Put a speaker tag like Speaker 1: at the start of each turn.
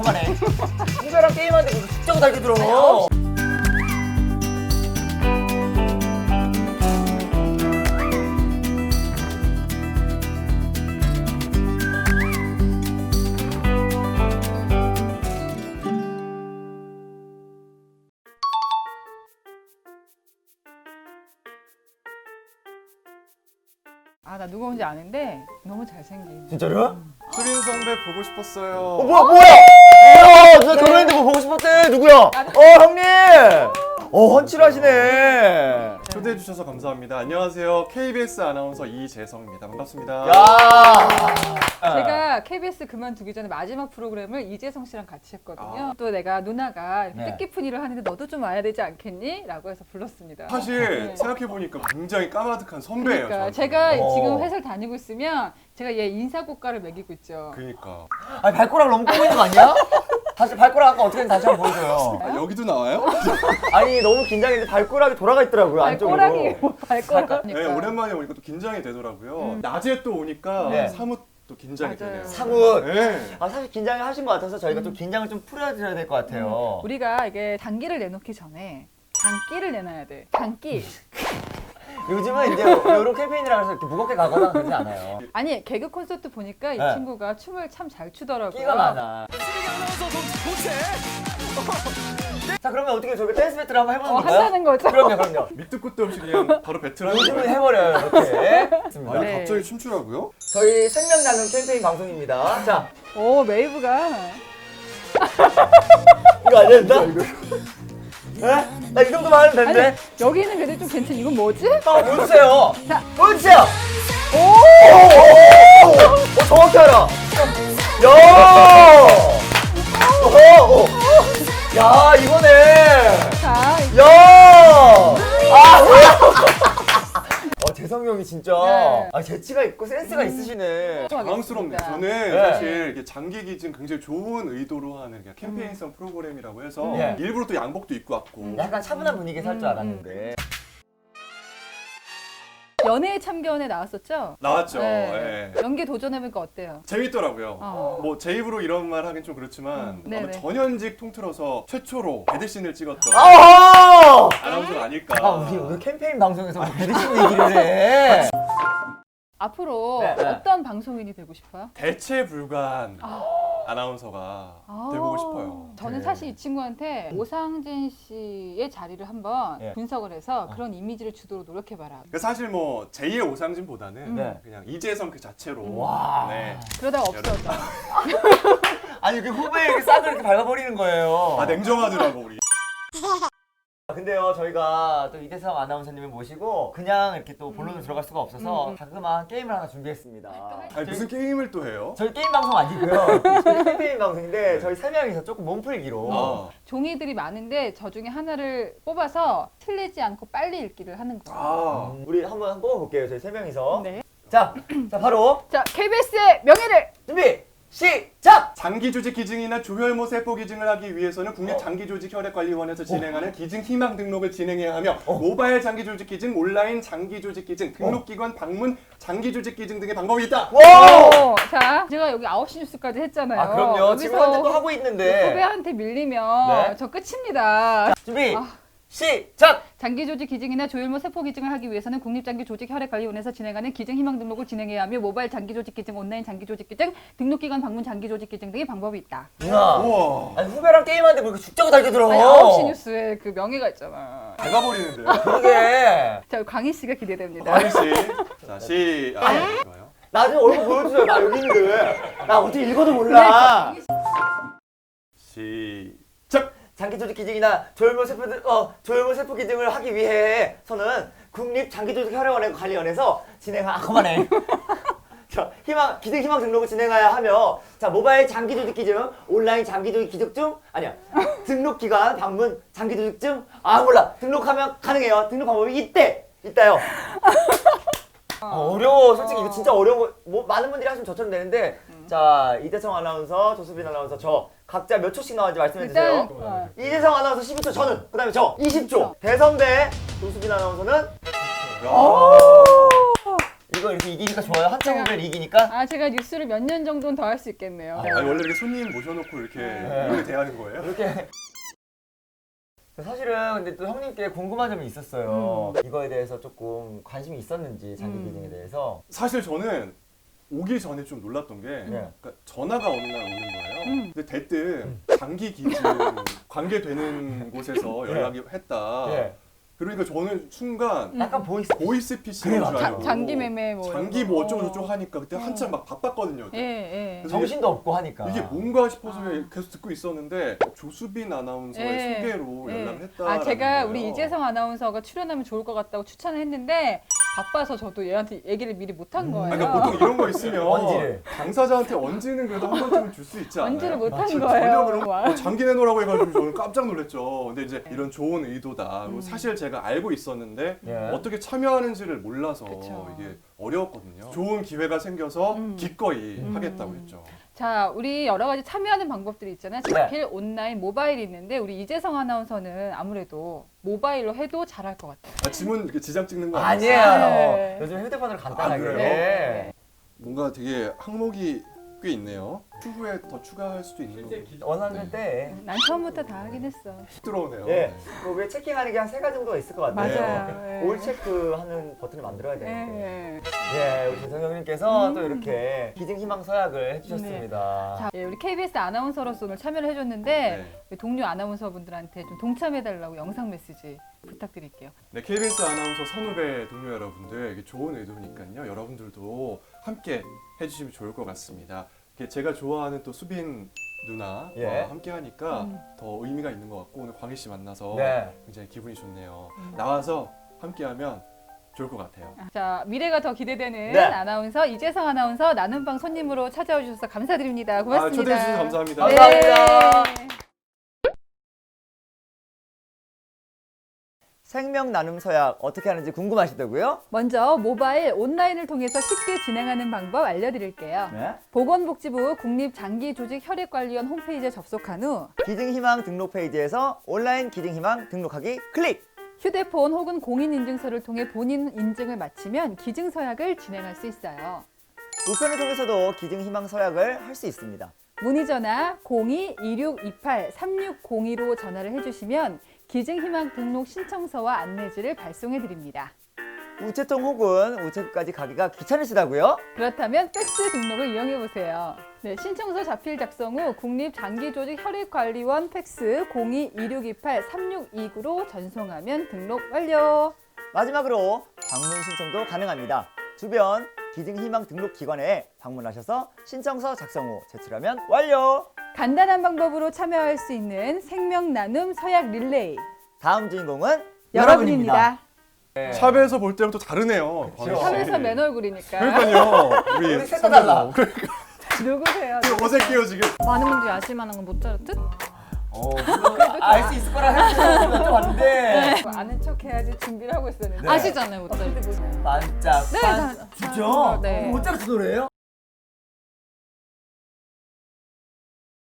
Speaker 1: 그만해. 후배랑 게임하는데 무슨 숙제고 달게 들어.
Speaker 2: 아, 나 누가 온지 아는데 너무 잘생긴.
Speaker 1: 진짜로?
Speaker 3: 수빈 선배 보고 싶었어요.
Speaker 1: 뭐야? 누나 결혼했는데 뭐 보고 싶었대. 누구야? 형님. 헌칠하시네.
Speaker 3: 초대해 주셔서 감사합니다. 안녕하세요. KBS 아나운서 이재성입니다. 반갑습니다.
Speaker 1: 야.
Speaker 2: 제가 KBS 그만두기 전에 마지막 프로그램을 이재성 씨랑 같이 했거든요. 또 내가 누나가 이렇게
Speaker 1: 네.
Speaker 2: 뜻깊은 일을 하는데 너도 좀 와야 되지 않겠니? 라고 해서 불렀습니다.
Speaker 3: 사실
Speaker 2: 네.
Speaker 3: 생각해보니까 굉장히 까마득한 선배예요.
Speaker 2: 그러니까
Speaker 3: 저한테는.
Speaker 2: 제가 지금 회사를 다니고 있으면 제가 얘 인사고과를 매기고 있죠.
Speaker 3: 그러니까.
Speaker 1: 아니 발가락 너무 꼬고 있는 거 아니야? 다시 발가락 아까 어떻게 다시 한번 보여줘요.
Speaker 3: 아, 여기도 나와요?
Speaker 1: 아니 너무 긴장했는데 발가락이 돌아가 있더라고요 안쪽으로.
Speaker 2: 발꼬락이 뭐 발꼬락.
Speaker 3: 네, 오랜만에 오니까 또 긴장이 되더라고요. 낮에 또 오니까
Speaker 1: 네.
Speaker 3: 사뭇 또 긴장이
Speaker 2: 맞아요.
Speaker 3: 되네요.
Speaker 1: 사뭇.
Speaker 3: 네.
Speaker 1: 아 사실 긴장을 하신 것 같아서 저희가 좀 긴장을 좀 풀어드려야 될 것 같아요.
Speaker 2: 우리가 이게 장기를 내놓기 전에 장기를 내놔야 돼. 장기.
Speaker 1: 요즘은 이제 이런 캠페인이라 해서 이렇게 무겁게 가거나 그러지 않아요.
Speaker 2: 아니 개그 콘서트 보니까 이
Speaker 1: 네.
Speaker 2: 친구가 춤을 참 잘 추더라고요.
Speaker 1: 끼가 많아. 자 그러면 어떻게 저희 댄스 배틀 한번 해보는 건가요?
Speaker 2: 한다는 거죠?
Speaker 1: 그럼요.
Speaker 3: 밑도 끝도 없이 그냥 바로 배틀하는
Speaker 1: 요즘은
Speaker 3: 거예요.
Speaker 1: 해버려요 이렇게.
Speaker 3: 아니
Speaker 2: 네.
Speaker 3: 갑자기 춤추라고요?
Speaker 1: 저희 생명 나눔 캠페인 방송입니다. 자
Speaker 2: 오 메이브가
Speaker 1: 이거 안 된다? 에? 나 이 정도만 하면
Speaker 2: 아니
Speaker 1: 되는데?
Speaker 2: 여기는 그래도 좀 괜찮. 이건 뭐지?
Speaker 1: 보여주세요.
Speaker 2: 자.
Speaker 1: 보여주세요. 오! 정확히 알아. 야! 오! 야 이거네.
Speaker 2: 자
Speaker 1: 야! 재성이 형이 진짜
Speaker 2: 네.
Speaker 1: 재치가 있고 센스가 있으시네.
Speaker 3: 당황스럽네요. 저는
Speaker 1: 네.
Speaker 3: 사실 이게 장기 기증 굉장히 좋은 의도로 하는 그냥 캠페인성 프로그램이라고 해서
Speaker 1: 네.
Speaker 3: 일부러 또 양복도 입고 왔고
Speaker 1: 약간 차분한 분위기 살 줄 알았는데.
Speaker 2: 연애의 참견에 나왔었죠?
Speaker 3: 나왔죠.
Speaker 2: 네.
Speaker 3: 예.
Speaker 2: 연기 도전해보니까 어때요?
Speaker 3: 재밌더라고요.
Speaker 2: 어.
Speaker 3: 뭐 제 입으로 이런 말 하긴 좀 그렇지만 아마
Speaker 2: 네네.
Speaker 3: 전현직 통틀어서 최초로 배드신을 찍었던
Speaker 1: 아하!
Speaker 3: 아나운서가 아닐까.
Speaker 1: 우리 오늘 캠페인 방송에서 배드신 얘기를 해.
Speaker 2: 앞으로
Speaker 1: 네, 네.
Speaker 2: 어떤 방송인이 되고 싶어요?
Speaker 3: 대체 불가한 아나운서가 돼보고 싶어요.
Speaker 2: 저는
Speaker 1: 네.
Speaker 2: 사실 이 친구한테 오상진 씨의 자리를 한번
Speaker 1: 네.
Speaker 2: 분석을 해서 그런 이미지를 주도록 노력해봐라.
Speaker 3: 그러니까 사실 뭐 제2의 오상진보다는
Speaker 1: 네.
Speaker 3: 그냥 이재성 그 자체로
Speaker 1: 와.
Speaker 3: 네.
Speaker 2: 그러다가 없어져.
Speaker 1: 아니 이렇게 후배에 이렇게 싹을 이렇게 밟아버리는 거예요.
Speaker 3: 아 냉정하더라고 우리.
Speaker 1: 근데요 저희가 또 이대성 아나운서님을 모시고 그냥 이렇게 또 본론으로 들어갈 수가 없어서 자그마한 게임을 하나 준비했습니다.
Speaker 3: 아니 무슨 게임을 또 해요?
Speaker 1: 저희 게임 방송 아니고요. 저희 캠페인 방송인데 저희 세 명이서 조금 몸풀기로.
Speaker 3: 아,
Speaker 2: 종이들이 많은데 저 중에 하나를 뽑아서 틀리지 않고 빨리 읽기를 하는 거예요.
Speaker 3: 아.
Speaker 1: 우리 한번 뽑아볼게요. 저희 세 명이서.
Speaker 2: 네.
Speaker 1: 자 바로
Speaker 2: 자, KBS의 명예를!
Speaker 1: 준비 시작.
Speaker 3: 장기 조직 기증이나 조혈모 세포 기증을 하기 위해서는 국립장기조직혈액관리원에서 진행하는 기증 희망 등록을 진행해야 하며 모바일 장기 조직 기증, 온라인 장기 조직 기증, 등록기관 방문 장기 조직 기증 등의 방법이 있다.
Speaker 1: 와.
Speaker 2: 오, 자, 제가 여기 9시 뉴스까지 했잖아요.
Speaker 1: 아 그럼요. 지금 현재 또 하고 있는데.
Speaker 2: 후배한테 밀리면
Speaker 1: 네.
Speaker 2: 저 끝입니다.
Speaker 1: 준비 시작.
Speaker 2: 장기조직 기증이나 조혈모 세포 기증을 하기 위해서는 국립장기조직혈액관리원에서 진행하는 기증 희망 등록을 진행해야 하며 모바일 장기조직 기증, 온라인 장기조직 기증, 등록기관 방문 장기조직 기증 등의 방법이 있다.
Speaker 1: 누나.
Speaker 3: 우와.
Speaker 1: 아니 후배랑 게임하는데 뭐 이렇게 죽자고 달게 들어.
Speaker 2: 아니 9시 뉴스에 그 명예가 있잖아.
Speaker 3: 배가 버리는데요.
Speaker 1: 그러게.
Speaker 2: 자, 광희 씨가 기대됩니다.
Speaker 3: 광희 씨. 자, 좋아요.
Speaker 1: 나중에 얼굴 보여주세요. 나 여기 있는데. 나 어떻게 읽어도 몰라.
Speaker 3: 시작.
Speaker 1: 장기 조직 기증이나 조혈모 세포 기증을 하기 위해서는 국립 장기조직 혈액원의 관리원에서 진행한 그만해. 자, 기증 희망 등록을 진행해야 하며 자 모바일 장기 조직 기증, 온라인 장기 조직 기증증 아니야 등록 기관 방문 장기 조직증 몰라 등록하면 가능해요. 등록 방법이 있다요. 어려워. 솔직히 이거 진짜 어려운 거. 뭐 많은 분들이 하시면 저처럼 되는데 자 이대성 아나운서, 조수빈 아나운서 저 각자 몇 초씩 나왔는지 말씀해 주세요.
Speaker 2: 일단
Speaker 1: 이재성 아나운서 12초, 저는 그다음에 저 20초. 대선배 조수빈 아나운서는 이거 이거 이렇게 이기니까 좋아요. 한참 후배를 이기니까.
Speaker 2: 아 제가 뉴스를 몇 년 정도는 더 할 수 있겠네요.
Speaker 3: 아니, 원래 이렇게 손님 모셔놓고 이렇게 이렇게 대하는 거예요?
Speaker 1: 이렇게. 사실은 근데 또 형님께 궁금한 점이 있었어요. 이거에 대해서 조금 관심이 있었는지 장기 기증에 대해서.
Speaker 3: 사실 저는 오기 전에 좀 놀랐던 게 그러니까 전화가 어느 날 오는 거예요. 근데 대뜸 장기 기증 관계되는 곳에서 연락이 했다.
Speaker 1: 예.
Speaker 3: 그러니까 저는 순간
Speaker 1: 약간
Speaker 3: 보이스 피싱인 줄 알고
Speaker 2: 장기 매매 뭐
Speaker 3: 장기
Speaker 2: 이런 거.
Speaker 3: 뭐 어쩌고 저쩌고 하니까 그때 한참 막 바빴거든요.
Speaker 2: 예, 예.
Speaker 3: 그래서
Speaker 1: 정신도 없고 하니까.
Speaker 3: 이게 뭔가 싶어서 계속 듣고 있었는데 조수빈 아나운서의
Speaker 2: 예.
Speaker 3: 소개로
Speaker 2: 예.
Speaker 3: 연락을 했다.
Speaker 2: 아 제가 우리 이재성 아나운서가 출연하면 좋을 것 같다고 추천을 했는데 바빠서 저도 얘한테 얘기를 미리 못한 거예요.
Speaker 3: 그러니까 보통 이런 거 있으면
Speaker 1: 언지를.
Speaker 3: 당사자한테 언지는 그래도 한 번쯤은 줄 수 있지 않아요?
Speaker 2: 언지를 못한
Speaker 3: 전혀
Speaker 2: 거예요.
Speaker 3: 그런 거 장기 내놓으라고 해가지고 저는 깜짝 놀랐죠. 근데 이제 이런 좋은 의도다. 그리고 사실 제가 알고 있었는데
Speaker 1: 예.
Speaker 3: 어떻게 참여하는지를 몰라서
Speaker 2: 그쵸.
Speaker 3: 이게 어려웠거든요. 좋은 기회가 생겨서 기꺼이 하겠다고 했죠.
Speaker 2: 자, 우리 여러 가지 참여하는 방법들이 있잖아요. 자필, 온라인, 모바일이 있는데 우리 이재성 아나운서는 아무래도 모바일로 해도 잘할 것 같아요.
Speaker 3: 아, 지문 이렇게 지장 찍는 거
Speaker 1: 아니에요.
Speaker 2: 네.
Speaker 1: 요즘 휴대폰으로 간단하게.
Speaker 3: 아, 그래요?
Speaker 1: 예.
Speaker 3: 뭔가 되게 항목이 꽤 있네요. 추후에 더 추가할 수도 있는 거고.
Speaker 1: 원하는 때.
Speaker 2: 난 처음부터 다 하긴 했어.
Speaker 3: 들어오네요.
Speaker 1: 예. 왜 체킹하는 게 한 3가지 정도가 있을 것 같아요.
Speaker 2: 맞아요. 예.
Speaker 1: 올 체크하는 버튼을 만들어야 되는데.
Speaker 2: 예.
Speaker 1: 예, 우리 재성 형님께서 또 이렇게 기증 희망 서약을 해주셨습니다.
Speaker 2: 자, 예, 우리 KBS 아나운서로서 오늘 참여를 해줬는데 우리 동료 아나운서분들한테 좀 동참해달라고 영상 메시지 부탁드릴게요.
Speaker 3: 네, KBS 아나운서 선후배 동료 여러분들, 이게 좋은 의도니까요. 여러분들도 함께 해주시면 좋을 것 같습니다. 이렇게 제가 좋아하는 또 수빈 누나와
Speaker 1: 예.
Speaker 3: 함께 하니까 더 의미가 있는 것 같고 오늘 광희 씨 만나서
Speaker 1: 네.
Speaker 3: 굉장히 기분이 좋네요. 나와서 함께하면 좋을 것 같아요.
Speaker 2: 자, 미래가 더 기대되는
Speaker 1: 네.
Speaker 2: 아나운서 이재성 아나운서 나눔방 손님으로 찾아와 주셔서 감사드립니다. 고맙습니다.
Speaker 3: 초대해 주셔서 감사합니다.
Speaker 1: 감사합니다.
Speaker 2: 네.
Speaker 1: 생명 나눔 서약 어떻게 하는지 궁금하시다고요?
Speaker 2: 먼저 모바일 온라인을 통해서 쉽게 진행하는 방법 알려드릴게요.
Speaker 1: 네.
Speaker 2: 보건복지부 국립장기조직혈액관리원 홈페이지에 접속한 후
Speaker 1: 기증 희망 등록 페이지에서 온라인 기증 희망 등록하기 클릭.
Speaker 2: 휴대폰 혹은 공인인증서를 통해 본인 인증을 마치면 기증서약을 진행할 수 있어요.
Speaker 1: 우편을 통해서도 기증 희망 서약을 할 수 있습니다.
Speaker 2: 문의전화 02-2628-3602로 전화를 해주시면 기증희망 등록 신청서와 안내지를 발송해드립니다.
Speaker 1: 우체통 혹은 우체국까지 가기가 귀찮으시다고요?
Speaker 2: 그렇다면 팩스 등록을 이용해보세요. 네, 신청서 자필 작성 후 국립장기조직혈액관리원 팩스 02-2628-3629로 전송하면 등록 완료.
Speaker 1: 마지막으로 방문 신청도 가능합니다. 주변 기증 희망 등록 기관에 방문하셔서 신청서 작성 후 제출하면 완료.
Speaker 2: 간단한 방법으로 참여할 수 있는 생명 나눔 서약 릴레이.
Speaker 1: 다음 주인공은
Speaker 2: 여러분입니다.
Speaker 1: 네.
Speaker 3: 샵에서 볼 때랑 또 다르네요. 광희 씨.
Speaker 2: 샵에서 맨 얼굴이니까.
Speaker 3: 그러니까요. 우리
Speaker 1: 우리 셋 다 달라.
Speaker 2: 누구세요?
Speaker 3: 어색해요 지금.
Speaker 2: 많은 분들이 아실 만한 건 모차르트?
Speaker 1: 알 수 있을 거라 생각했는데 왔는데
Speaker 2: 아는 척 해야지 준비를 하고 있었는데.
Speaker 1: 네.
Speaker 2: 아시잖아요, 모차르트.
Speaker 1: 반짝
Speaker 2: 네,
Speaker 1: 반짝
Speaker 2: 진짜
Speaker 1: 진짜?
Speaker 2: 네.
Speaker 1: 모차르트 노래예요?